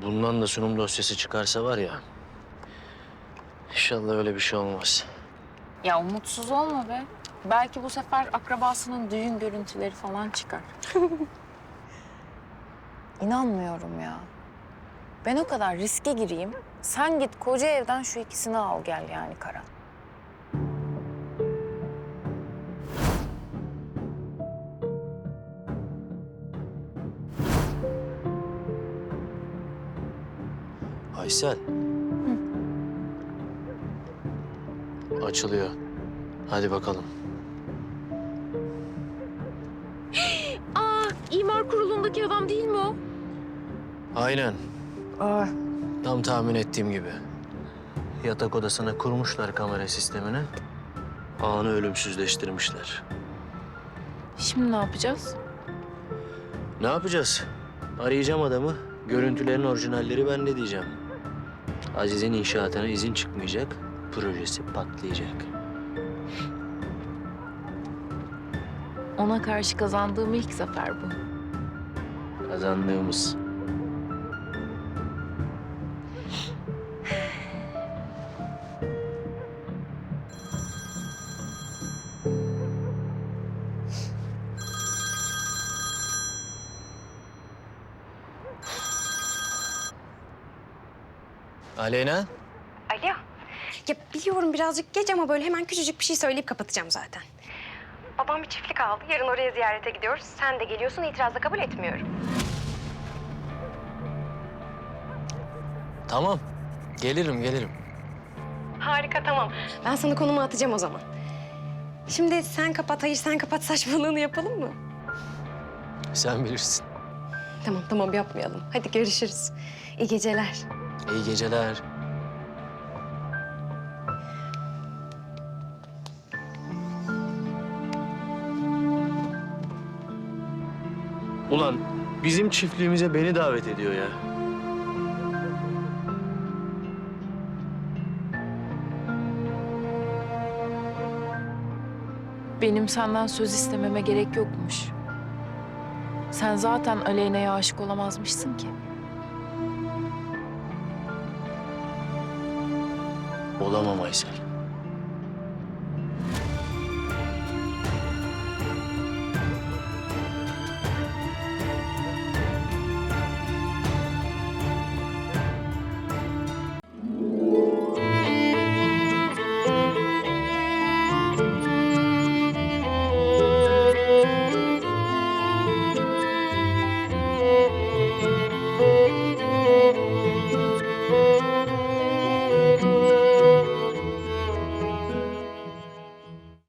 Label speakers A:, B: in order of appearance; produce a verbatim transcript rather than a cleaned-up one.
A: bundan da sunum dosyası çıkarsa var ya... İnşallah öyle bir şey olmaz.
B: Ya umutsuz olma be. Belki bu sefer akrabasının düğün görüntüleri falan çıkar. İnanmıyorum ya. Ben o kadar riske gireyim. Sen git koca evden şu ikisini al gel yani Karan.
A: Aysel. Açılıyor. Hadi bakalım.
B: Aa, imar kurulundaki adam değil mi o?
A: Aynen.
B: Aa.
A: Tam tahmin ettiğim gibi. Yatak odasına kurmuşlar kamera sistemini. Anı ölümsüzleştirmişler.
B: Şimdi ne yapacağız?
A: Ne yapacağız? Arayacağım adamı. Görüntülerin orijinalleri bende diyeceğim. Aziz'in inşaatına izin çıkmayacak. Projesi patlayacak.
B: Ona karşı kazandığım ilk zafer bu.
A: Kazandığımız. Aleyna.
C: Alo. Ya biliyorum birazcık geç ama böyle hemen küçücük bir şey söyleyip kapatacağım zaten. Babam bir çiftlik aldı. Yarın oraya ziyarete gidiyoruz. Sen de geliyorsun. İtirazla kabul etmiyorum.
A: Tamam. Gelirim, gelirim.
C: Harika, tamam. Ben sana konumu atacağım o zaman. Şimdi sen kapat, hayır sen kapat saçmalığını yapalım mı?
A: Sen bilirsin.
C: Tamam, tamam yapmayalım. Hadi görüşürüz. İyi geceler.
A: İyi geceler. Ulan bizim çiftliğimize beni davet ediyor ya.
B: Benim senden söz istememe gerek yokmuş. Sen zaten Aleyna'ya aşık olamazmışsın ki.
A: Olamam Aysel.